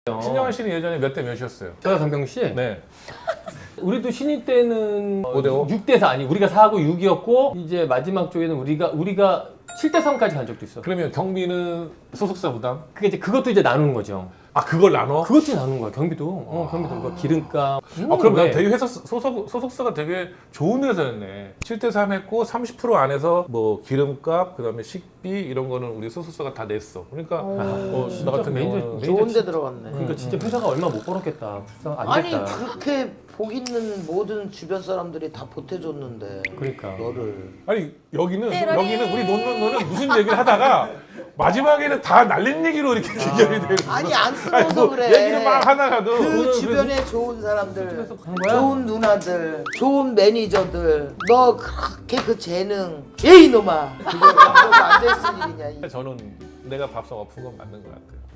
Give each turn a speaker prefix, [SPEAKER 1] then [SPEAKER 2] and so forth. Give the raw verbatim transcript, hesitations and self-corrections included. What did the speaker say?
[SPEAKER 1] 신영환 씨는 예전에 몇 대 몇이었어요?
[SPEAKER 2] 저요, 강병 씨?
[SPEAKER 1] 네.
[SPEAKER 2] 우리도 신인 때는
[SPEAKER 1] 오 대 오?
[SPEAKER 2] 육 대 사 아니 우리가 사하고 육이었고 이제 마지막 쪽에는 우리가 우리가 칠 대 삼까지 간 적도 있어.
[SPEAKER 1] 그러면 경비는 소속사 부담?
[SPEAKER 2] 그게 이제 그것도 이제 나누는 거죠.
[SPEAKER 1] 아 그걸 나눠?
[SPEAKER 2] 그것도 나누는 거야. 경비도. 어, 경비도 뭐 기름값.
[SPEAKER 1] 아 그럼 난
[SPEAKER 2] 네.
[SPEAKER 1] 되게 회사 소속, 소속사가 되게 좋은 회사였네. 칠 대 삼 했고 삼십 퍼센트 안에서 뭐 기름값 그다음에 식비 이런 거는 우리 소속사가 다 냈어. 그러니까 어,
[SPEAKER 2] 진짜
[SPEAKER 1] 나 같은
[SPEAKER 2] 매니저-
[SPEAKER 1] 경우는
[SPEAKER 2] 매니저
[SPEAKER 3] 좋은 데
[SPEAKER 2] 진-
[SPEAKER 3] 들어갔네.
[SPEAKER 2] 그러니까 진짜 회사가 얼마 못 벌었겠다. 불쌍 안
[SPEAKER 3] 아니
[SPEAKER 2] 됐다.
[SPEAKER 3] 그렇게 복 있는 모든 주변 사람들이 다 보태줬는데
[SPEAKER 2] 그러니까.
[SPEAKER 3] 너를
[SPEAKER 1] 아니 여기는
[SPEAKER 4] 떼러리.
[SPEAKER 1] 여기는 우리 논논 논은 무슨 얘기를 하다가 마지막에는 다 날린 얘기로 이렇게 귀결이 되는 거야.
[SPEAKER 3] 아니 안
[SPEAKER 1] 아니,
[SPEAKER 3] 쓰러서
[SPEAKER 1] 뭐
[SPEAKER 3] 그래.
[SPEAKER 1] 얘기를 막 하다가도
[SPEAKER 3] 그
[SPEAKER 2] 그거는
[SPEAKER 3] 주변에 좋은 사람들,
[SPEAKER 2] 한 거야?
[SPEAKER 3] 좋은 누나들, 좋은 매니저들, 너 그렇게 그 재능, 에이 놈아, 그거 앉아있을 일이냐? 이.
[SPEAKER 1] 저는 내가 밥상 엎은 건 맞는 것 같아요.